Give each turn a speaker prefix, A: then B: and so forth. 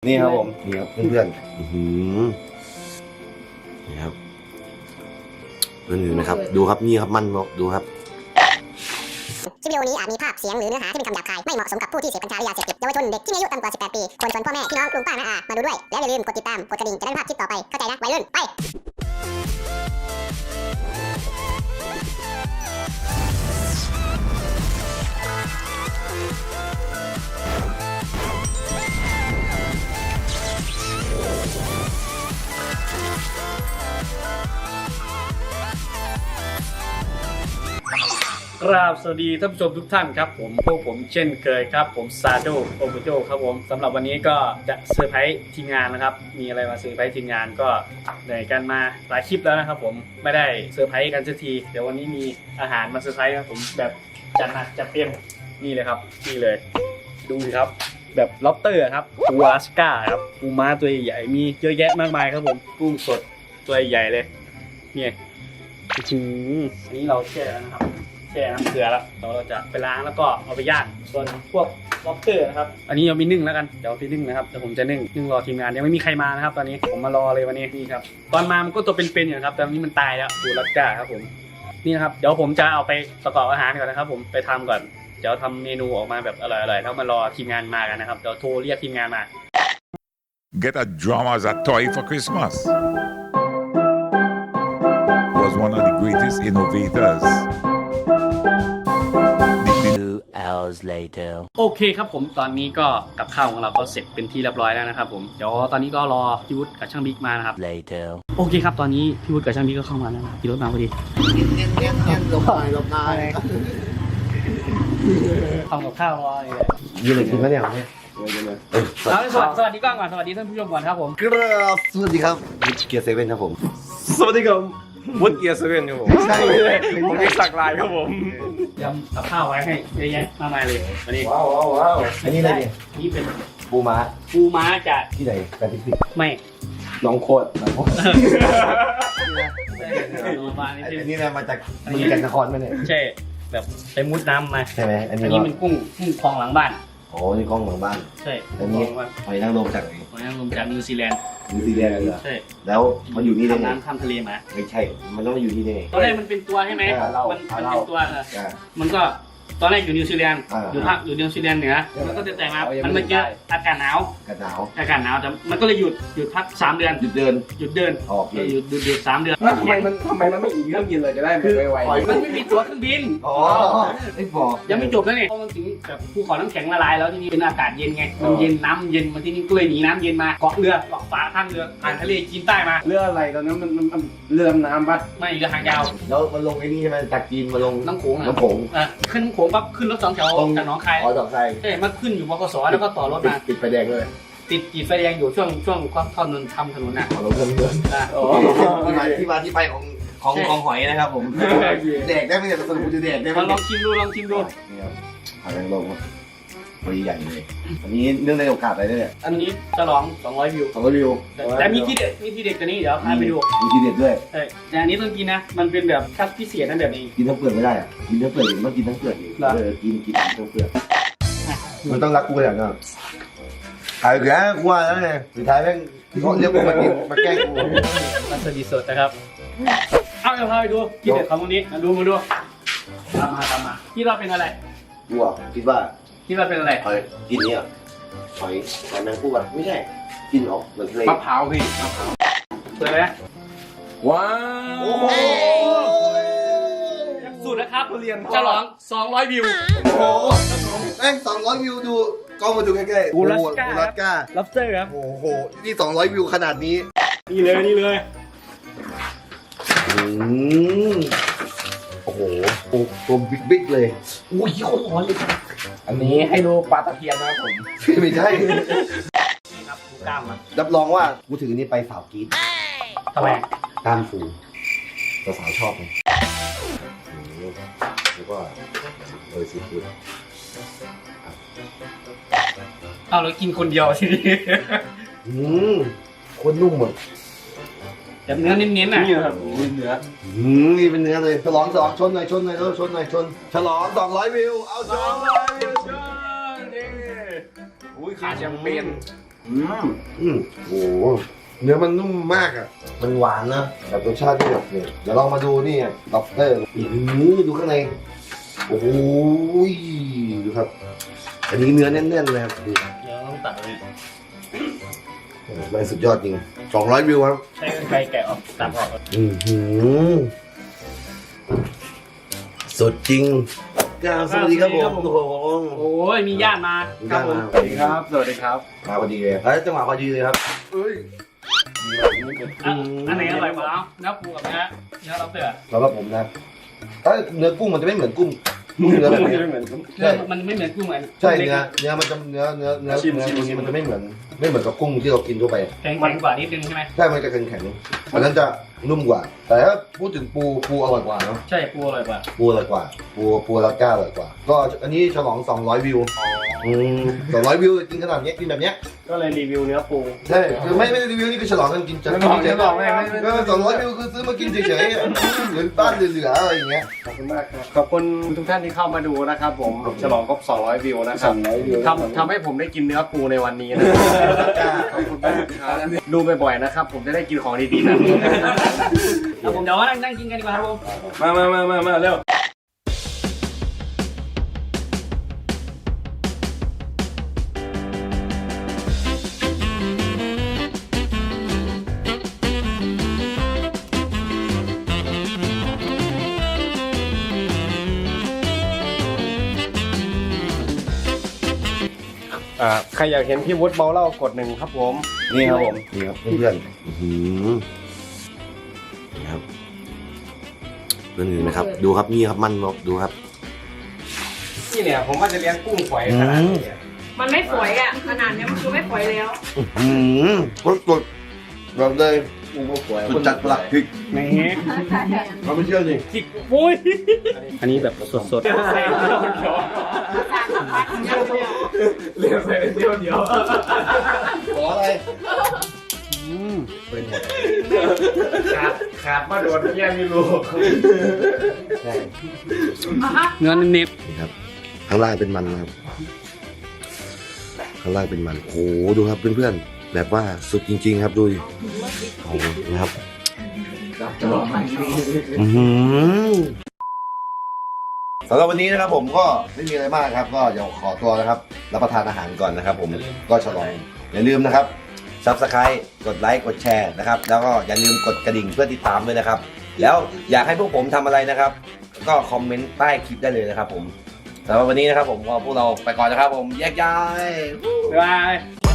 A: นี่ครับผมนี่ครับเพื่อนนี่ครับเพื่อนๆนะครับดูครับนี่ครับมันดูครับ
B: คลิปวิดีโอนี้อาจมีภาพเสียงหรือเนื้อหาที่เป็นคำหยาบคายไม่เหมาะสมกับผู้ที่เสพกัญชาหรือยาเสพติดเยาวชนเด็กที่มีอายุต่ำกว่า 18 ปีควรชวนพ่อแม่พี่น้องลุงป้าน้าอามาดูด้วยแล้วอย่าลืมกดติดตามกดกระดิ่งจะได้ไม่พลาดคลิปต่อไปเข้าใจนะวัยรุ่นไป
C: กราบสวัสดีท่านผู้ชมทุกท่านครับพวกผมเช่นเคยครับผมซาโดโอโมโจครับผมสำหรับวันนี้ก็จะเซอร์ไพรส์ทีมงานนะครับมีอะไรมาเซอร์ไพรส์ทีมงานก็เหนื่อยกันมาหลายคลิปแล้วนะครับผมไม่ได้เซอร์ไพรส์กันสักทีเดี๋ยววันนี้มีอาหารมาเซอร์ไพรส์ครับผมแบบจัดหนักจัดเต็มนี่เลยครับนี่เลยดูสิครับแบบล็อบสเตอร์ครับปูอลาสก้าครับปูม้าตัวใหญ่มีเยอะแยะมากมายครับผมกุ้งสดตัวใหญ่เลยเนี่ยอันนี้เราแช่แล้วนะครับแช่น้ำเกลือแล้วเราจะไปล้างแล้วก็เอาไปย่างส่วนพวกล็อบสเตอร์นะครับอันนี้เอาไปนึ่งแล้วกันเดี๋ยวเอาไปนึ่งนะครับเดี๋ยวผมจะนึ่งรอทีมงานยังไม่มีใครมานะครับตอนนี้ผมมารอเลยวันนี้นี่ครับตอนมามันก็ตัวเป็นๆอยู่ครับแต่วันนี้มันตายแล้วปูรัสก้าครับผมนี่นะครับเดี๋ยวผมจะเอาไปประกอบอาหารก่อนนะครับผมไปทำก่อนเดี๋ยวทำเมนูออกมาแบบอร่อยๆแล้วมารอทีมงานมากันนะครับเดี๋ยวโทรเรียกทีมงานมา
D: Get a drama as a toy for Christmas. Was one of the greatest innovators.
E: 2 hours later
C: โอเคครับผมตอนนี้ก็กับข้าวของเราก็เสร็จเป็นที่เรียบร้อยแล้วนะครับผมเดี๋ยวตอนนี้ก็รอพี่วุฒิกับช่างบิ๊กมานะครับ
E: later
C: โอเคครับตอนนี้พี่วุฒิกับช่างบิ๊กก็เข้ามาแล้วพี่รถมาพอดี
A: หลบหน้า
C: ทำกับข้าวรอเลย
A: ยืนเลยกินข้าวเหนียวเนี่ย
C: สวัสดีกล้องก่อนสวัสดีท่านผู้ชมก่อนครับผม
A: ครับสวัสดีครับเกียร์เซเว่นครับผม
F: สวัสดีครับวุฒิเกียร์เซเว่นครับผม
A: ใช่
F: ผมมีสักลายครับผม
C: ยำกับข้าวไว้ให้เยอะแยะมากมายเลยวันนี้
A: ว้าวอันนี้อะไรเนี่ย
C: นี่เป็น
A: ปูม้า
C: ปูม้าจาก
A: ที่ไหนแปซิฟิก
C: ไม่
F: น้องโคตร
A: อันนี้นะมาจากเมืองจันทนครไหมเนี่ย
C: ใช่แบบไปมุดน้ำมา
A: ใช่ไหมอัน
C: อัน
A: นี้
C: นี้เป็นกุ้งคลองหลังบ้าน
A: โอ้นี่กล้องหลังบ้าน
C: ใช่
A: อันนี้หอยนางรมจากไหน
C: หอยนางรมจากนิวซีแลนด์
A: นิวซีแลนด์เหรอ
C: ใช่
A: แล้วมันอยู่นี่ได้
C: ทำ
A: ไง
C: น้ำข้ามทะเลมา
A: ไม่ใช่ มันต้องมาอยู่นี่ได้ไง
C: ตอนแรกมันเป็นตัวใช่ไหม
A: เรา
C: มันเป็นตัว
A: อ่า
C: มันก็ตอนแรกอยู่นิวซีแลนด์
A: อ่า
C: อยู่นิวซีแลนด์เหนือมันก็จะแต่มามันมาเจออากาศหนาว
A: กันหนาว
C: อากาศหนาวแต่มันก็เลยหยุดพัก3 เดือน
A: หยุดเดิน
C: หยุดเดิน
A: ออกเลย
C: หยุด3 เดือน
F: แล้วทำไมมันไม่อีกเครื่องบินเลยจะได้ไว
C: มันไม่มีตั๋วเครื่องบิน
A: อ๋อไอ้บอก
C: ยังไม่จบแล้วเนี่ยเพราะมันถึงแบบภูเขาน้ำแข็งละลายแล้วที่นี่เป็นอากาศเย็นไงมันเย็นน้ำเย็นมาที่นี่ก็เลยหนีน้ำเย็นมาเกาะเรือเกาะฝาข้างเรือผ่านทะเลจีนใต้มา
F: ๆเรืออะไรตอนนั้นมันเรือดำน้ำปะ
C: ไม่เรือหางยาว
A: แล้วมันลงไอ้นี่ใช่ไหมจากจีนมาลง
C: น้ำโขง
A: น้ำโขง
C: ขึ้นน้ำโขงปั๊บขึ้นรถ2 แถวจากหนองคาย
A: อ๋อดอกไทร
C: ใช่มาขึ้นอยู่บกสแล้วก็ต่อรถมา
A: ติดไฟแดงเลย
C: ติดไฟแดงอยู่ช่วงความท่อนนนทำถนนน่ะ
A: ขอลงเงินเดือน
C: อ่ะ
A: ที่มาที่ไปของหอยนะครับผมแดกได้ไหมเนี่ยสรุปจะแดกได้ไหม
C: ลองชิมดู
A: นี่ครับหอยนางรมครับตัวใหญ่เลยอันนี้เนื่องในโอกาสอะไรเนี่ย
C: อันนี้ฉลอง200 วิว
A: ของรีวิว
C: แต่มีที่เด็ดกว่านี้เดี๋ยวพาไปดู
A: มีทีเด็ดด้วย
C: ใช่แต่อันนี้ต้องกินนะมันเป็นแบบคัดพิเศษนั่นแบบนี้
A: กินทั้งเปลือกไม่ได้อะกินทั้งเปลือกมันต้องกินทั้งเปลือกอีกกินทั้งเปลือกมันต้องรักกูอย่างนั้นขายแก่กูว่าแล้วไงสุดท้ายแม่งเขาเรียกกูมากินมาแกล้งกู
C: มันสดีสดนะครับเอาเดี๋ยวพาไปดูที่เด็ดของตรงนี้มาดูตามมาที่เราเป็นอะไร
A: กูอ่ะคิดว่า
C: ที่เราเป็นอะไร
A: หอยกินเนี่ยหอยแมงผู้อ่ะไม่ใช่กินออกเหมือนทะเล
F: มะพร้าวพี่มะพร้าว
C: เปิดเลยนะ
F: ว้าว
A: โอ้โห
C: สูตรนะครับ
F: เรียน
C: ฉลอง200 วิว
A: โอ้โหแม่ง200 วิวดูกล้องมาดูใกล้ๆ
C: อูรัสก้า
A: อูรัสก้า
C: ล็อบสเตอร์ครับ
A: โอ้โหนี่200 วิวขนาดนี้
C: นี่เลย
A: โอ้โหตัวบิ๊กเลยอุ้ยโคตรร้อนเลย
F: อันนี้ให้ดูปลาตะเพียนนะครับผม
A: ไม่ใช่
C: นี่ครับดูกล้ามมัน
A: รับรองว่ากูถือนี่ไปสาวกรีด
C: ทำไม
A: กล้ามฟูสาวชอบไงแล้วก็ซีฟู้ด
C: เอาเรากินคนเดียวทีนี้
A: โคตรนุ่มหมด
C: แบบเนื้อเน้นๆน่ะ
F: นี่ครับเนื้อ
A: นี่เป็นเนื้อเลยฉลองชนหน่อยชนฉลอง200 วิวเอาชน
F: อุ้ยขาแชมเปญ
A: โอ้โหเนื้อมันนุ่มมากอ่ะมันหวานนะแบบรสชาติที่แบบเนี่ยเดี๋ยวลองมาดูนี่ด็อกเตอร์ดูข้างในโอ้โหดูครับอันนี้เนื้อแน่นๆเลยครับดู
C: เดี๋ยวต้องตัดเลย
A: มันสุดยอดจริง200 วิวครับ
C: ใช้กรรไกรแกะออกตัดออก
A: สุดจริงสวัสดีครับผมทุกคน
C: โอ้ยมีญาติมาครับผม
A: สวัสดีครับ
C: สวัสดีครับ
A: มาพอดีเลยจังหวะพอดีเลยครับ
C: อันไหนอร่อยกว่าเนื้อปูกับเนื้อเราเสือ
A: สำหรับผมนะถ้าเนื้อกุ้งมันจะไม่เหมือนกุ้งเนื้อแบบนี้
C: เนื้อมันไม่เหมือนกุ้งเลย
A: ใช่เนื้อมันจะเนื้อตรงนี้มันจะไม่เหมือนกับกุ้งที่เรากินทั่วไป
C: แข็งกว่านิดนึงใช่ไหม
A: ใช่มันจะแข็งๆอันนั้นจะนุ่มกว่า แต่ถ้าพูดถึงปูอร่อยกว่าเนาะ
C: ใช่ปูอร่อยกว่า
A: ปูอร่อยกว่าปูลาก้าอร่อยกว่า ก็อันนี้ฉลอง200 วิว200 วิวกินขนาดนี้กินแบบเนี้ย
C: ก็เลยรีวิวเนื้อปู
A: ใช่คือไม่ได้รีวิวนี่คือฉลองกันกินจะ200 วิวคือซื้อมากินเฉยๆเหมือนบ้านเหลือๆอะไรอย่างเงี้ย
F: ขอบคุณมากครับขอบคุณทุกท่านที่เข้ามาดูนะครับผมฉลองครบ200 วิวนะครับทำให้ผมได้กินเนื้อปูในวันนี้นะครับขอบคุณมากครับดูบ่อยๆนะครับผมจะได้กินของดีๆแบบนี้
C: เอาผมเดี๋ยวว่านั่งกินกันดีกว่าครับผม
F: มาเร็ว ใครอยากเห็นพี่วุฒิเมาเหล้ากด1ครับผม
A: นี่ครับผมนี่ครับเพื่อนนี่ครับเพื่อนๆนะครับดูครับนี่ครับมันดูครับ
F: นี่เนี่ยผมว่าจะเลี้ยงกุ้งฝอยขนาดนี้เนี่ย
G: มันไม่ฝอยอ่ะขนาดเนี้ยมันคือไม่ฝอยแล้ว
A: กดแบบเลย
F: กุ้งฝอย
A: คุณจัดปลักพริก
C: นี่
A: เราไม่เชื่อสิ
C: จิกปุ้ยอันนี้แบบสด
F: เลี้ยงใส่เดียว
A: ขออะไร
F: ขาดมาโดนแย่ไม่รู้
A: ใช่
C: เนื้อเน็บ
A: นี่ครับข้างล่างเป็นมันนะครับข้างล่างเป็นมันโอ้โหดูครับเพื่อนๆแบบว่าสุดจริง ๆ ครับดูดิโอ้โหนะครับสำหรับวันนี้นะครับผมก็ไม่มีอะไรมากครับ ก็เดี๋ยวขอตัวนะครับรับประทานอาหารก่อนนะครับ ผมก็ฉลองอย่าลืมนะครับ Subscribe กดไลค์กดแชร์นะครับแล้วก็อย่าลืมกดกระดิ่งเพื่อติดตามด้วยนะครับแล้วอยากให้พวกผมทำอะไรนะครับก็คอมเมนต์ใต้คลิปได้เลยนะครับผมสำหรับวันนี้นะครับผมก็พวกเราไปก่อนนะครับผมแยกย้าย
C: บ๊ายบาย